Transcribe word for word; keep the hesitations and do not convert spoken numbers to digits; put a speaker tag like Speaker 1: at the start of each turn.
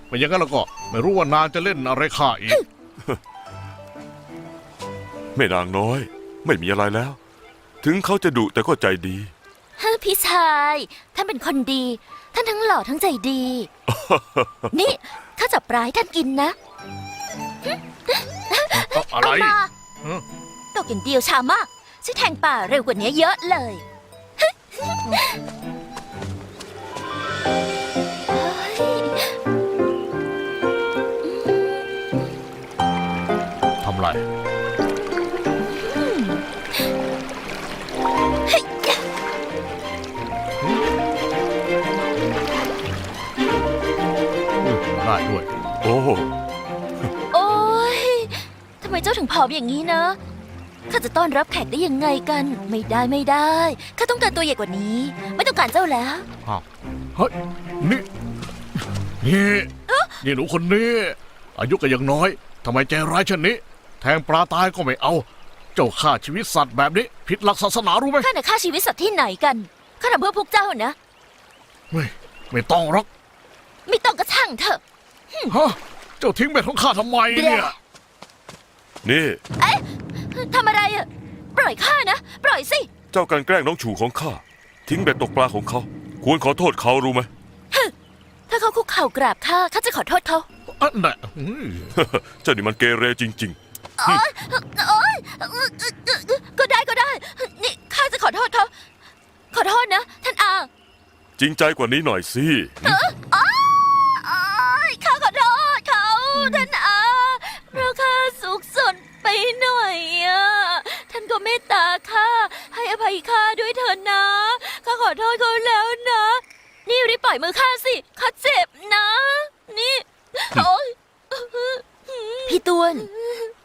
Speaker 1: ไม่อย่างนั้นแล้วก็ไม่รู้ว่านางจะเล่นอะไรข้าอีก
Speaker 2: แม่นางน้อย ไม่มีอะไรแล้ว ถึงเขาจะดุแต่ก็ใจดี
Speaker 3: ฮ่าพี่ชายท่านเป็นคนดี ท่านทั้งหล่อทั้งใจดี นี่ข้าจับปลาให้ท่านกินนะ
Speaker 1: อะไร
Speaker 3: เอามา
Speaker 1: ฮะ
Speaker 3: ตกอย่างเดียวช้ามากช่วยแทงป่าเร็วกว่านี้เยอะเลย
Speaker 1: ทำไรได้ด้วย
Speaker 2: โอ้
Speaker 3: โอ้ยทำไมเจ้าถึงผอมอย่างนี้นะข้าจะต้อนรับแขกได้ยังไงกัน ไม่ได้ไม่ได้ข้าต้องการตัวใหญ่กว่านี้ ไม่ต้องการเจ้าแล้ว
Speaker 1: อ้าวเฮ้ยนี่นี่นี่หนูคนนี้ อายุก็ยังน้อยทำไมใจร้ายเช่นนี้ แทงปลาตายก็ไม่เอา เจ้าฆ่าชีวิตสัตว์แบบนี้ ผิดหลักศาสนารู้ไหม
Speaker 3: ข้าน่ะฆ่าชีวิตสัตว์ที่ไหนกันข้าทำเพื่อพวกเจ้านะ
Speaker 1: ไม่ไม่ต้องหรอก
Speaker 3: ไม่ต้องกระช่างเถอะ
Speaker 1: ฮะเจ้าทิ้งเบ็ดของข้าทำไมเนี่ย
Speaker 2: นี่
Speaker 3: ทำอะไรอะปล่อยข้านะ ปล่อยสิ
Speaker 2: เจ้ากันแกล้งน้องฉูของข้า ทิ้งเบ็ดตกปลาของเขา ควรขอโทษเขารู้ไหม
Speaker 3: ถ้าเขาคุกเข่ากราบข้าข้าจะขอโทษเขา
Speaker 1: อันน่ะอืม
Speaker 2: เจ้านี่มันเกเรจริง
Speaker 3: โอ๊ยโอ๊ยก็ได้ก็ได้ นี่ข้าจะขอโทษเขา ขอโทษนะ ท่านอา
Speaker 2: ๆ จริงใจกว่านี้หน่อยสิ
Speaker 3: โอ๊ยข้าขอโทษเขาท่านอาเพราะข้าสุขสนไปหน่อยอะท่านก็เมตตาข้าให้อภัยข้าด้วยเถิดนะข้าขอโทษเขาแล้วนะ นี่รีบปล่อยมือข้าสิข้าเจ็บนะ นี่โอ๊ยพี่ตวน